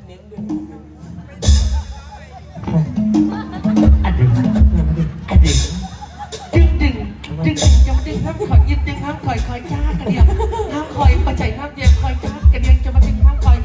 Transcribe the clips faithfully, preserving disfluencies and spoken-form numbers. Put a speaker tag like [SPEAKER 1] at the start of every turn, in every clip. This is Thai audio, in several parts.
[SPEAKER 1] เน้นด้วย
[SPEAKER 2] อันดึงอันดึงดึงดึงดึงจะมาดึงห้ามคอยยึดดึงห้ามคอยคอยจ้ากันเดียวห้ามคอยประจัยห้ามเดียวคอยจ้ากันเดียวจะมาดึงห้ามคอย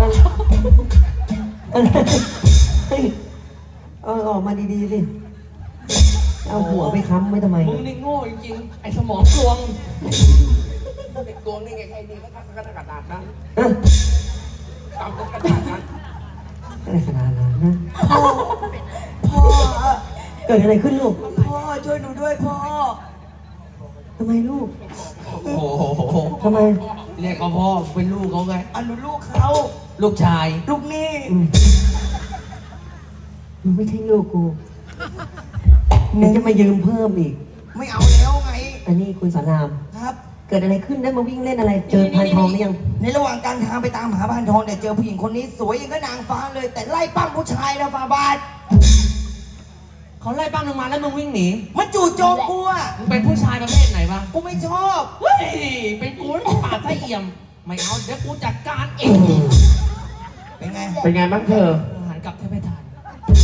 [SPEAKER 3] เฮ้ยเอาออกมาดีๆสิเอาหัวไปค้ำไว้ทำไม
[SPEAKER 2] มึงนี่โง่จริงๆไอ้สมองกลวง
[SPEAKER 1] ไอ้โกงนี่ไงไอ้นี่ก็ทำกระดาษนะ
[SPEAKER 3] เอ้ย
[SPEAKER 1] ตามกระดาษนะ
[SPEAKER 3] อะไรขนาดนั้นนะ
[SPEAKER 4] พ่อ พ่อ
[SPEAKER 3] เกิดอะไรขึ้นลูก
[SPEAKER 4] พ่อช่วยหนูด้วยพ่อ
[SPEAKER 3] ทำไมลูก
[SPEAKER 2] โอ้โห
[SPEAKER 3] ทำไม
[SPEAKER 2] เรียกเขาพ่อเป็นลูกเขาไง
[SPEAKER 4] อันหนูลูกเขา
[SPEAKER 2] ลูกชาย
[SPEAKER 4] ลูกนี่
[SPEAKER 3] อืมมึงไม่ใช่ลูกกูมึงจะมายืมเพิ่มอีก
[SPEAKER 4] ไม่เอาแล้วไง
[SPEAKER 3] อันนี้คุณสาราม
[SPEAKER 4] ครับ
[SPEAKER 3] เกิดอะไรขึ้นได้มาวิ่งเล่นอะไร เจอพันทองหรือยัง
[SPEAKER 4] ในระหว่างการทางไปตามหาพานทองเนี่ยเจอผู้หญิงคนนี้สวยอย่างกับนางฟ้าเลย แต่ไล่ปั้มผู้ชายนะฟาบาท
[SPEAKER 2] เขาไล่ปั้มลงมาแล้วมึงวิ่งหนี
[SPEAKER 4] มันจู่โจมกูอ่ะ
[SPEAKER 2] มึงเป็นผู้ชายประเภทไหนวะ
[SPEAKER 4] กูไม่ชอบ
[SPEAKER 2] เฮ้ยเป็นกูแล้วปาดไส้เอี่ยมไม่เอาเดี๋ยวกูจัดการเอง
[SPEAKER 4] เป็นไง
[SPEAKER 2] เป็นไงบ้างเธอหันกลับแทบไม่ทัน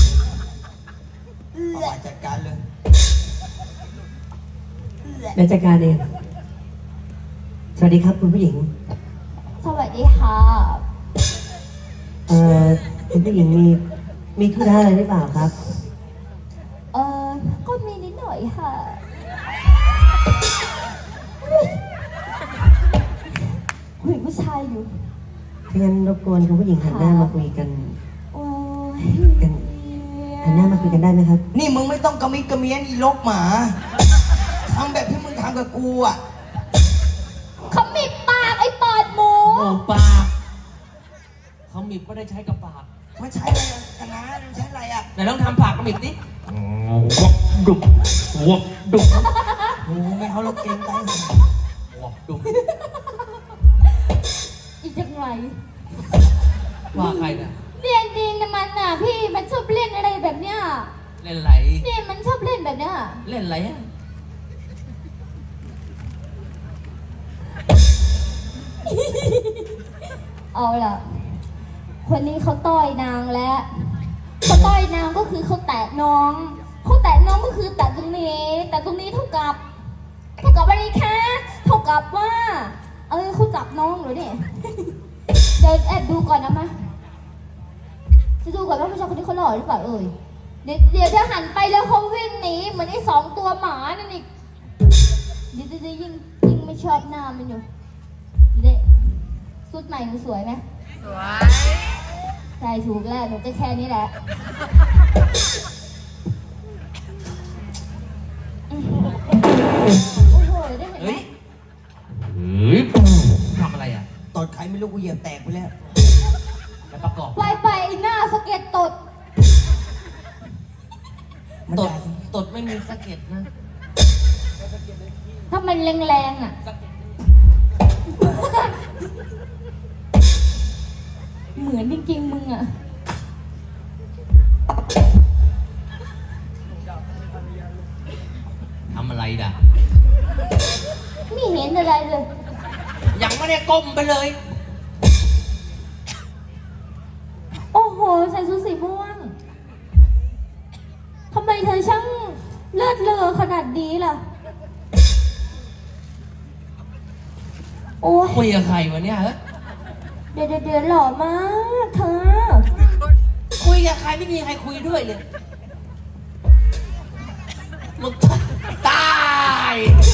[SPEAKER 4] ฟาบาทจัดการเลย
[SPEAKER 3] เดี๋ยวจัดการเองสวัสดีครับคุณผู้หญิง
[SPEAKER 5] สวัสดีค่ะ
[SPEAKER 3] เอ่อคุณผู้หญิงมีมีธุระอะไรหรือเปล่าครับ
[SPEAKER 5] เออก็มีนิดหน่อยค่ะคุยผู้ชายอยู่
[SPEAKER 3] งั้นรบกวนคุณผู้หญิงหันหน้ามาคุยกัน
[SPEAKER 5] โอ้ย
[SPEAKER 3] กัน หันหน้ามาคุยกันได้ไหมครับ
[SPEAKER 4] นี่มึงไม่ต้องกระมิดกระเมียนอีลกหมาทำแบบที่มึงทำกับกูอ่ะ
[SPEAKER 5] เขามีปากไอ้ปอดหมู
[SPEAKER 2] โอ้ปากเขามีก็ได้ใช้กับปาก
[SPEAKER 4] ไม่ใช่อะไรอะคณะมันใช้อะไรอ่ะ
[SPEAKER 2] ไหนลองทำปากกระมิดดิวับดุบวับดุบ
[SPEAKER 4] โอ้ไม่เขาลกเก่งไป
[SPEAKER 2] วับดุบ
[SPEAKER 5] อีจังไร
[SPEAKER 2] ว่าใครเนี่ย
[SPEAKER 5] เรียนดีนะมันน่ะพี่มันชอบเล่นอะไรแบบเนี้ย
[SPEAKER 2] เล่นไหล
[SPEAKER 5] เนี่ยมันชอบเล่นแบบเนี้ย
[SPEAKER 2] เล่นไหลอะ
[SPEAKER 5] เอาล่ะ คนนี้เขาต้อยนางแล้วเขาต้อยนางก็คือเขาแตะน้องเขาแตะน้องก็คือแตะตรงนี้ แต่ตรงนี้เท่ากับเท่ากับอะไรคะเท่ากับว่า เออเขาจับน้องเหรอเนี่ย เดินแอบดูก่อนนะมะจะดูก่อนว่าผู้ชายคนนี้เขาหล่อหรือเปล่าเอ่ยเดี๋ยวเดี๋ยวถ้าหันไปแล้วเขาวิ่งหนีเหมือนไอ้สองตัวหมานั่นอีกเดี๋ยวเดี๋ยวยิ่งยิ่งไม่ชอบหน้ามันอยู่เด็สุดใหม่หนูสวยไหมสวยใช่ถูกแล้วหนูก็แค่นี้แหละโอ้โหได้เห็นไหม
[SPEAKER 2] เฮ้ยเฮ้ยทำอะไรอ่ะ
[SPEAKER 4] ตอนใครไม่รู้กูเหยียบแตกไปแล้ว
[SPEAKER 2] แล้วประกอบ
[SPEAKER 5] ไปไปไอ้หน้าสะเก็ดตด
[SPEAKER 4] มัน
[SPEAKER 2] ตด
[SPEAKER 4] ด่า
[SPEAKER 2] ตดไม่มีสะเก็ดนะ
[SPEAKER 5] ถ้ามันแรงๆอ่ะ
[SPEAKER 2] สะเก็ด
[SPEAKER 5] เหมือนจริงๆมึงอ่ะ
[SPEAKER 2] ทำอะไรด่ะ
[SPEAKER 5] ไม่เห็นอะไรเลย
[SPEAKER 2] ยังไม่ได้ก้มไปเลย
[SPEAKER 5] โอ้โหใส่ชุดสีม่วงทำไมเธอช่างเลือดเลอขนาดนี้ล่ะ โอ้ย
[SPEAKER 2] คุยกับใครวะเนี่ยเฮ้ย
[SPEAKER 5] เดี๋ยวเดี๋ยวเดี๋ยวหล่อมากเธอ
[SPEAKER 2] คุยกับใครไม่มีใครคุยด้วยเลยมึงตาย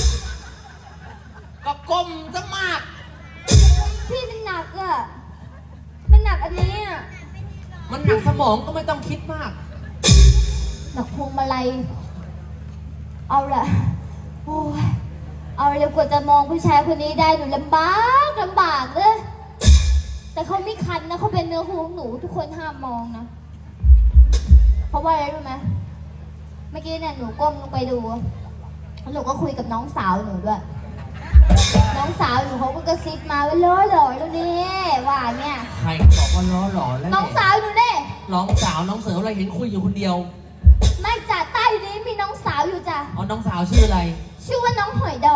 [SPEAKER 2] ก็ก้มซะมาก
[SPEAKER 5] พี่มันหนักอ่ะ มันหนักอันนี้อ่ะ
[SPEAKER 2] มันหนักสมองก็ไม่ต้องคิดมาก
[SPEAKER 5] หนักพวงมาลัย เอาล่ะ โอ้ย เอาเลยกว่าจะมองผู้ชายคนนี้ได้หนูลำบากลำบากเลย แต่เขาไม่คันนะเขาเป็นเนื้อคู่ของหนูทุกคนห้ามมองนะ เพราะว่าอะไรรู้ไหมเมื่อกี้เนี่ยหนูก้มลงไปดูแล้วหนูก็คุยกับน้องสาวหนูด้วย น้องสาวหนูเขาก็กระซิบมาว่าล้อหล่อแล้วนี่ว่าเนี่ย
[SPEAKER 2] ใครบอกว่าล้อหล่อแล้ว
[SPEAKER 5] น้องสาวหนูเน่
[SPEAKER 2] น้องสาวน้องเสืออะไรเห็นคุยอยู่คนเดียว
[SPEAKER 5] ไม่จ่าใต้นี้มีน้องสาวอยู่จ้ะ
[SPEAKER 2] อ๋อน้องสาวชื่ออะไร
[SPEAKER 5] ชื่อว่าน้องหอยดอง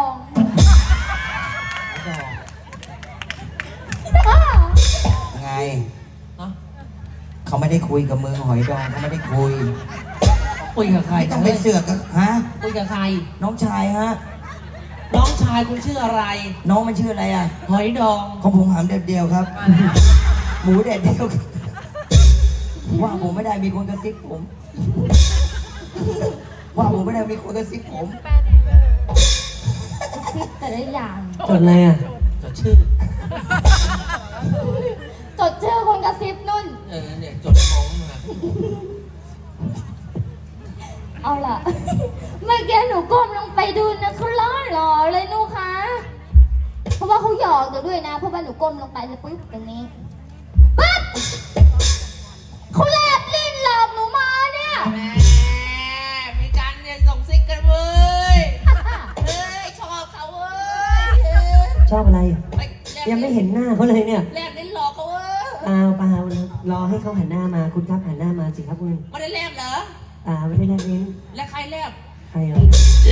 [SPEAKER 2] ดอก
[SPEAKER 4] ไง
[SPEAKER 2] ฮะ
[SPEAKER 4] เขาไม่ได้คุยกับมึงหอยดองเขาไม่ได้คุย
[SPEAKER 2] คุยกับใคร
[SPEAKER 4] ไม่ต้องไปเสือกกับฮะ
[SPEAKER 2] คุยกับใคร
[SPEAKER 4] น้องชายฮะ
[SPEAKER 2] น้องชายคุณชื่ออะไร
[SPEAKER 4] น้องมันชื่ออะไรอ่ะ
[SPEAKER 2] หอยดอง
[SPEAKER 4] ของผมหามแดดเดียวครับ หมูแดดเดียวว่าผมไม่ได้มีคนกระซิบผม ว่าผมไม่ได้มีคนกระซิบผม
[SPEAKER 5] ซิปแต่ละอย่าง
[SPEAKER 3] จดอะไรอ่ะ
[SPEAKER 2] จดชื่อ
[SPEAKER 5] จดชื่อคนกระซิบนุ่น
[SPEAKER 2] เออเนี่ยจดมองมา
[SPEAKER 5] เอาล่ะ เมื่อกี้หนูก้มลงไปดูนะเขาล้อหล่อเลยหนูคะเพราะว่าเขาหยอกหนูด้วยนะ เพราะว่าหนูก้มลงไปแล้วปุ๊บตรงนี้ปั๊บเขาแลบลิ้นหลอกหนูมาเนี่ย
[SPEAKER 2] แม่มีการเนี่ยส่งซิกกันเว้ยเฮ้ยชอบเขาเว้ย
[SPEAKER 3] ชอบอะไร
[SPEAKER 2] ไปแลบ
[SPEAKER 3] ยังไม่เห็นหน้าเขาเลยเนี่ย
[SPEAKER 2] แลบลิ้นหลอกเขาเว้ย
[SPEAKER 3] เปล่าเปล่ารอให้เขาหันหน้ามาคุณครับหันหน้ามาสิครับคุณ
[SPEAKER 2] ไม่ได้แลบเหรอ
[SPEAKER 3] อ่าไม่ได้แลบลิ้น
[SPEAKER 2] และใครแลบ
[SPEAKER 3] ใครเหรอ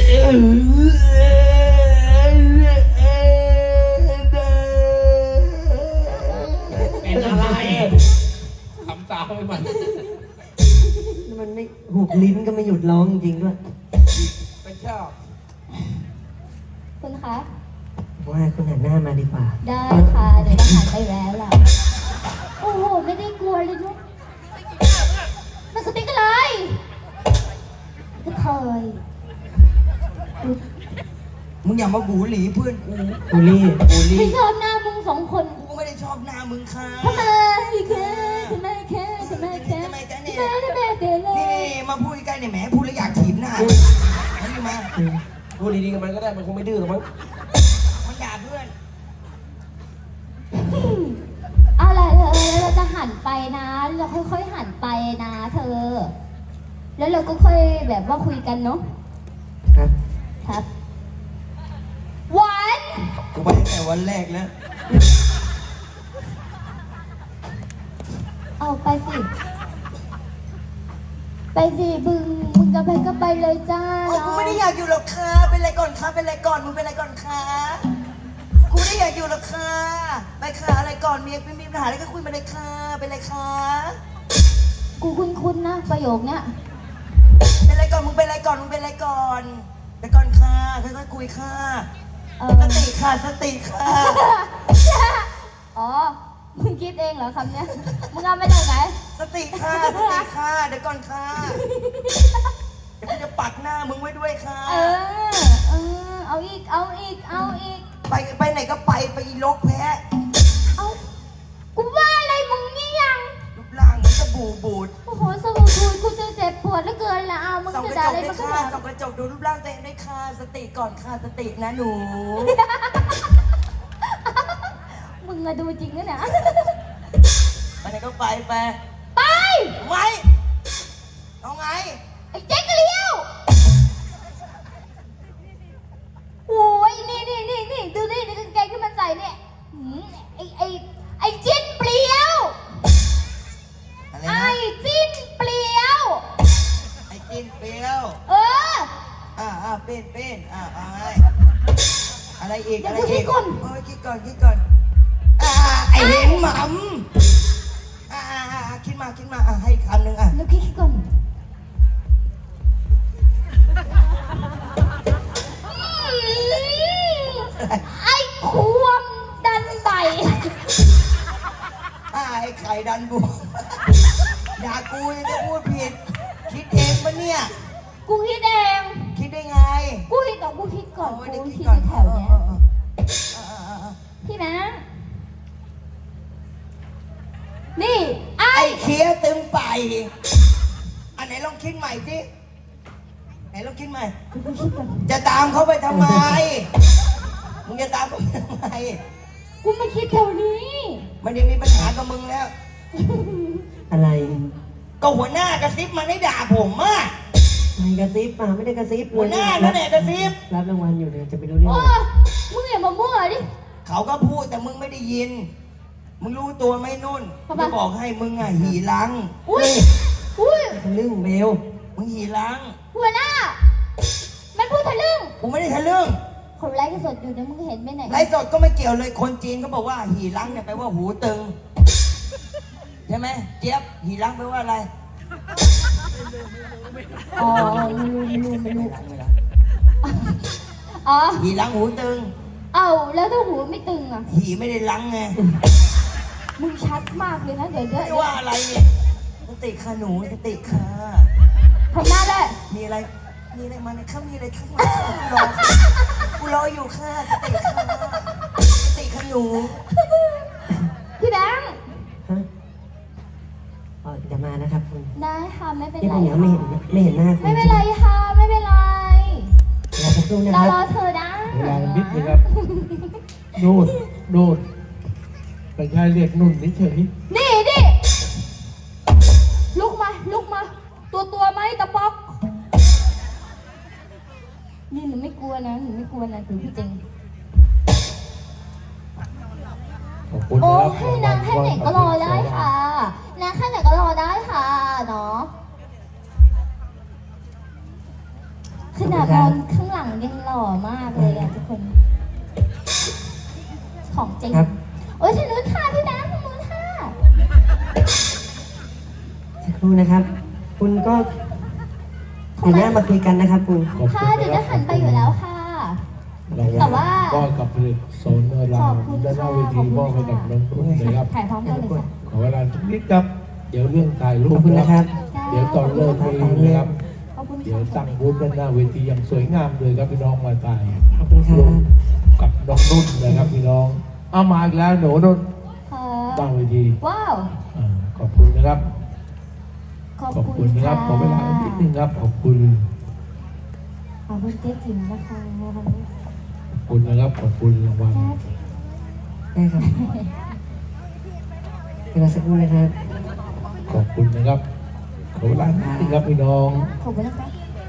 [SPEAKER 2] เป็นอะไรคำสาวไปหมด
[SPEAKER 3] มันไม่หุบลิ้นก็ไม่หยุดร้องจริงๆด้วย
[SPEAKER 1] เป็นชอบ
[SPEAKER 5] คุณคะ
[SPEAKER 3] ว่าคุณหันหน้ามาดีกว่า
[SPEAKER 5] ได้ค่ะเดี๋ยวจะหันไปแล้วล่ะ โอ้โห ไม่ได้กลัวเลยนุ๊กมันกระติกอะไรกระเทย
[SPEAKER 4] มึงอย่ามาบูหลีเพื่อนกู
[SPEAKER 3] บูลลี่บูลลี่
[SPEAKER 5] ไม่ชอบหน้ามึงสองคน
[SPEAKER 4] กูก็ไม่ได้ชอบหน้ามึงค่ะ
[SPEAKER 5] ทำไมแค่ทำไมแค่ทำไมแค่
[SPEAKER 4] ทำไมจ๊ะเนี่ย
[SPEAKER 5] ทำไมทำไมเตะเล
[SPEAKER 4] นี่
[SPEAKER 5] ย
[SPEAKER 4] มาพูดใกล้ๆเนี่ยแหมพูดแล้วอยากถีบหน้าอันนี้มา
[SPEAKER 1] พูดดีๆกับมันก็ได้มันคงไม่ดื้อหรอกมั้ง
[SPEAKER 4] มันด่าเพื่อน
[SPEAKER 5] เอาล่ะเธอแล้วเราจะหันไปนะ เราค่อยๆหันไปนะ เธอ แล้วเราก็ค่อยแบบว่าคุยกันเนาะ
[SPEAKER 3] ครับ
[SPEAKER 5] ครับหวาน
[SPEAKER 4] กูไปตั้งแต่วันแรกแล้ว
[SPEAKER 5] เอาไปสิ ไปสิมึงมึงจะไปก็ไปเลยจ้า
[SPEAKER 4] โอ้กูไม่ได้อยากอยู่หรอกค่ะเป็นไรก่อนคะเป็นไรก่อนมึงเป็นไรก่อนคะกูไม่ได้อยากอยู่หรอกค่ะไปค่ะอะไรก่อนมีมีมีปัญหาอะไรก็คุยมาเลยค่ะเป็นไรคะ
[SPEAKER 5] กูคุ้นๆนะ ประโยคเนี้ย
[SPEAKER 4] เป็นไรก่อนมึงเป็นไรก่อนมึงเป็นไรก่อนไปก่อนค่ะค่อยๆคุยค่ะ
[SPEAKER 5] เออ
[SPEAKER 4] สติค่ะสติค่ะ
[SPEAKER 5] อ๋อ มึงคิดเองเหรอคำเนี้ย มึงเอามาจากไหน
[SPEAKER 4] สติค่ะสติค่ะเดี๋ยวก่อนค่ะเดี๋ยวกูจะปักหน้ามึงไว้ด้วยค่ะ
[SPEAKER 5] เออ เออ เอาอีก เอาอีก เอาอีก
[SPEAKER 4] ไปไปไหนก็ไปไปอีลกแพ้
[SPEAKER 5] เอากูว่าอะไรมึงนี่ยัง
[SPEAKER 4] รูปร่างเหมันจะบูบูด
[SPEAKER 5] โอ้โหสมุนทูกูจะเจ็บปวดเหลือเกินละเอามึง
[SPEAKER 4] ส่อง
[SPEAKER 5] จะ
[SPEAKER 4] กระ
[SPEAKER 5] ด่า
[SPEAKER 4] จ
[SPEAKER 5] อะ
[SPEAKER 4] ก
[SPEAKER 5] ไร
[SPEAKER 4] ด้ว
[SPEAKER 5] มาย ข
[SPEAKER 4] ค่ะ
[SPEAKER 5] นาด
[SPEAKER 4] ส่องกระจกดูรูปร่างตัวเองด้วยค่ะสติก่อนค่ะสตินะหนู
[SPEAKER 5] มึงมาดูจริงนะเนี่ย
[SPEAKER 4] ไปไหนก็ไปไป
[SPEAKER 5] ไป
[SPEAKER 4] ไม่เอาไง
[SPEAKER 5] ไอ้เจ๊กเลี้ยวโอ้ยนี่นี่นี่นี่ดูนี่ในกางเกงที่มันใส่เนี่ยหืมไอ้ไอ้ไอ้จิ้นเปลี่ยว
[SPEAKER 4] อะไร
[SPEAKER 5] ไอ้
[SPEAKER 4] นะ
[SPEAKER 5] จิ้นเปลี่ยว
[SPEAKER 4] ไอ้จินเปรี้ยว
[SPEAKER 5] เออ
[SPEAKER 4] อ่าอ่าเป็นเป็นอ่าอ่าอะไรอีก
[SPEAKER 5] เดี๋
[SPEAKER 4] อะ
[SPEAKER 5] ยว
[SPEAKER 4] ไรอีก
[SPEAKER 5] คิดก่อน
[SPEAKER 4] เออคิดก่อนคิดก่อนอ่าไอ้เห็นหม่ำอ่าอ่าอ่าคิดมาคิดมาอ่าให้อีกคำหนึ่งอ่ะ
[SPEAKER 5] แล้วคิดก่อนอืมไอ้ควมดันใบ
[SPEAKER 4] อ่าไอ้ไข่ดันบวมด่ากูยังจะพูดผิด คิดเองปะเนี่ย
[SPEAKER 5] กูคิดเอง
[SPEAKER 4] คิดได้ไง
[SPEAKER 5] กูคิดต่อกูคิดก่อน
[SPEAKER 4] โย
[SPEAKER 5] กู
[SPEAKER 4] เดี๋ยว
[SPEAKER 5] คิด
[SPEAKER 4] ก่อน
[SPEAKER 5] แถวเนี้ย
[SPEAKER 4] เออเออเออเออเออ
[SPEAKER 5] พี่นะ นี่ไอ้
[SPEAKER 4] ไอ้เคี้ยตึงไป อันไหนลองคิดใหม่สิไหนลองคิดใหม่
[SPEAKER 5] กูคิดก่อน
[SPEAKER 4] จะตามเขาไปทำไม มึงจะตามเขาไปทำไม
[SPEAKER 5] กูไม่คิดแถวนี้
[SPEAKER 4] มันยังมีปัญหากับมึงแล้ว
[SPEAKER 3] อะไร
[SPEAKER 4] ก็หัวหน้ากระซิบมันให้ด่าผมอ่ะ
[SPEAKER 3] ไม่กระซิบมาไม่ได้กระซิบ
[SPEAKER 4] หัวหน้านั่นแหละกระซิบ
[SPEAKER 3] รับรางวัลอยู่เนี่ยจะไปรู้เรื่อง
[SPEAKER 5] โอ้
[SPEAKER 3] อะไร
[SPEAKER 5] มึงอย่ามามั่วดิ
[SPEAKER 4] เขาก็พูดแต่มึงไม่ได้ยิน มึงรู้ตัวไหมนุ่น
[SPEAKER 5] ทำไม
[SPEAKER 4] จะบอกให้มึงอ่ะหีรัง
[SPEAKER 5] อุ้ย อุ้ย
[SPEAKER 3] ทะลึ่งเบล
[SPEAKER 4] มึงหีรัง
[SPEAKER 5] หัวหน้า มันพูดทะลึ่ง
[SPEAKER 4] กูไม่ได้ทะลึ่ง
[SPEAKER 5] คนไลฟ์สดอยู่เนี่ยมึงเห็นไหมไหนย
[SPEAKER 4] ไลฟ์สดก็ไม่เกี่ยวเลย คนจีนเขาบอกว่าหีรังเนี่ยแปลว่าหูตึง ใช่ช่ไหมเจี๊ยบหีรังแปลว่าอะไร
[SPEAKER 5] อ๋อไม่รู้ไม่รู้ไม่รู้
[SPEAKER 4] หีรังไม่รัง
[SPEAKER 5] อ๋อ
[SPEAKER 4] หีรังหูตึง
[SPEAKER 5] เอ้าแล้วถ้าหูไม่ตึงอ่ะ
[SPEAKER 4] หีไม่ได้รังไง
[SPEAKER 5] มึงชัดมากเลยนะเดี๋ยวเดี๋ยว
[SPEAKER 4] ไม่ว่าอะไรเนี่ยสติค่ะหนูสติค่ะ
[SPEAKER 5] ทำหน้าได้
[SPEAKER 4] มีอะไรมีอะไรมาเนี่ยข้ามีอะไรข้างหลังกูรอกูรออยู่ค่ะสติค่ะสติค่ะหนู
[SPEAKER 5] พี่แบงค์
[SPEAKER 3] ฮะอ๋อจะมานะครับคุณ
[SPEAKER 5] ได้ค่ะไม่เป็น
[SPEAKER 3] ที่
[SPEAKER 5] ไร
[SPEAKER 3] ผมยังไม่เห็นไม่เห็นหน้าคุณ
[SPEAKER 5] ไม่เป็นไรค่ะไม่เป็นไร
[SPEAKER 3] รอสักครู่นะ
[SPEAKER 5] เรา
[SPEAKER 3] ครับ
[SPEAKER 5] รอเธอได้
[SPEAKER 2] เวลานิดนึงครับนู่นนู่นไปใช้เรียกนุ่นเฉย
[SPEAKER 5] นี่ดิลุกมาลุกมา ตัวตัวไหมตะป๊อกนี่หนูไม่กลัวนะหนูไม่กลัวนะถือพี่จริง
[SPEAKER 2] ขอบคุณ
[SPEAKER 5] โอ้
[SPEAKER 2] นะครับ
[SPEAKER 5] ให้นางแค่ไหนก็รอได้ค่ะนางแค่ไหนก็รอได้ค่ะเนาะขนาดมองข้างหลังยังหล่อมากเลยอะทุกคน ของจริง
[SPEAKER 3] ครับ
[SPEAKER 5] โอ้ยทางนู้นค่ะพี่แบงค์ทางนู้นค่ะ
[SPEAKER 3] สักครู่นะครับ คุณก็หันหน้ามาคุยกันนะครับ คุณ
[SPEAKER 2] ขอบคุณ
[SPEAKER 5] ค่ะเดี๋ยวจะหันไปอยู่แล้วค่ะ แต่ว่า
[SPEAKER 2] ก็กับผลิตโซนรามด้านหน้าเวทีมอบให้กับน้องนุ่นนะครับ
[SPEAKER 5] ถ่ายพร้อมกันเลยค่ะ
[SPEAKER 2] ขอเวลาสักนิดครับ เดี๋ยวเรื่องถ่ายรู
[SPEAKER 3] ขอ
[SPEAKER 2] ป
[SPEAKER 3] บคุณ
[SPEAKER 2] นะ
[SPEAKER 3] นะ
[SPEAKER 2] ค
[SPEAKER 3] ค
[SPEAKER 2] รั
[SPEAKER 3] รั
[SPEAKER 2] บบ เดี๋ยวตอนเลิกเพลงนะครับ
[SPEAKER 5] ขอบคุณ
[SPEAKER 2] เดี๋ยว
[SPEAKER 5] ค่ะ
[SPEAKER 2] ตั้งบูธด้านหน้าเวทีอย่างสวยงามเลยครับพี่น้องมาถ่าย
[SPEAKER 3] ขอบคุณครับ
[SPEAKER 2] วมกับน้องนุ่นนะครับพี่น้องเอามาอีกแล้วหนูนุ่น
[SPEAKER 5] ค่ะ
[SPEAKER 2] ตั้งเวที
[SPEAKER 5] ว้าว
[SPEAKER 2] อ่าขอบคุณนะครับ
[SPEAKER 5] ขอบ
[SPEAKER 2] ขอบ
[SPEAKER 5] คุ
[SPEAKER 2] คุณ ณนะครับขอเวลาอีกนิดนึงครับขอบคุณ
[SPEAKER 5] ขอบคุณเจ๊จิ๋มนะคะ
[SPEAKER 2] ขอบคุณนะครับขอบคุณรางวัล
[SPEAKER 3] ได้ครับเวลาสักครู่นะครับ
[SPEAKER 2] ขอบคุณนะครับขอเวลานิดนึงครับพี่น้อง
[SPEAKER 5] ขอบคุณนะคะ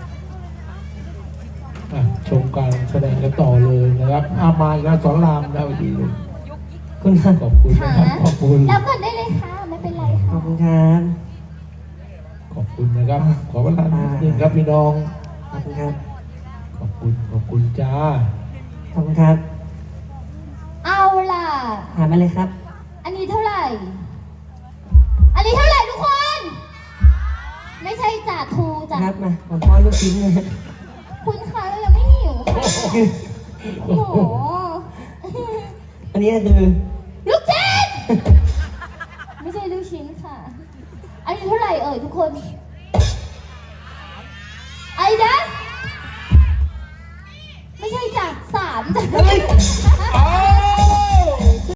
[SPEAKER 2] อ่ะชมการแสดงกันต่อเลยนะครับอามาอีกแล้วสอนรามนะวันนี้
[SPEAKER 3] คุณครับ
[SPEAKER 2] ขอบคุณนะครับขอบคุณ
[SPEAKER 5] แล้วก่อนได้เลยค่ะ ไม่เป็นไร
[SPEAKER 3] ขอบ
[SPEAKER 5] ค่ะ
[SPEAKER 3] คุณครับ
[SPEAKER 2] ขอบคุณนะครับ ขอเวลานิดนึงครับพี่น้อง
[SPEAKER 3] ขอบคุณครับ
[SPEAKER 2] ขอบคุณขอบคุณจ้า
[SPEAKER 3] ขอบคุณครับ
[SPEAKER 5] เอาล่ะ
[SPEAKER 3] ถามมาเลยครับ
[SPEAKER 5] อันนี้เท่าไหร่ อันนี้เท่าไหร่ทุกคน ไม่ใช่จ่าทูจ่า
[SPEAKER 3] ครับมาผมป้อนลูกชิ้นเลย
[SPEAKER 5] คุณคะเรายังไม่หิวค่ะโอ้โห
[SPEAKER 3] อันนี้ก็คือ
[SPEAKER 5] ลูกชิ้น ไม่ใช่ลูกชิ้นค่ะ อันนี้เท่าไหร่เอ่ยทุกคน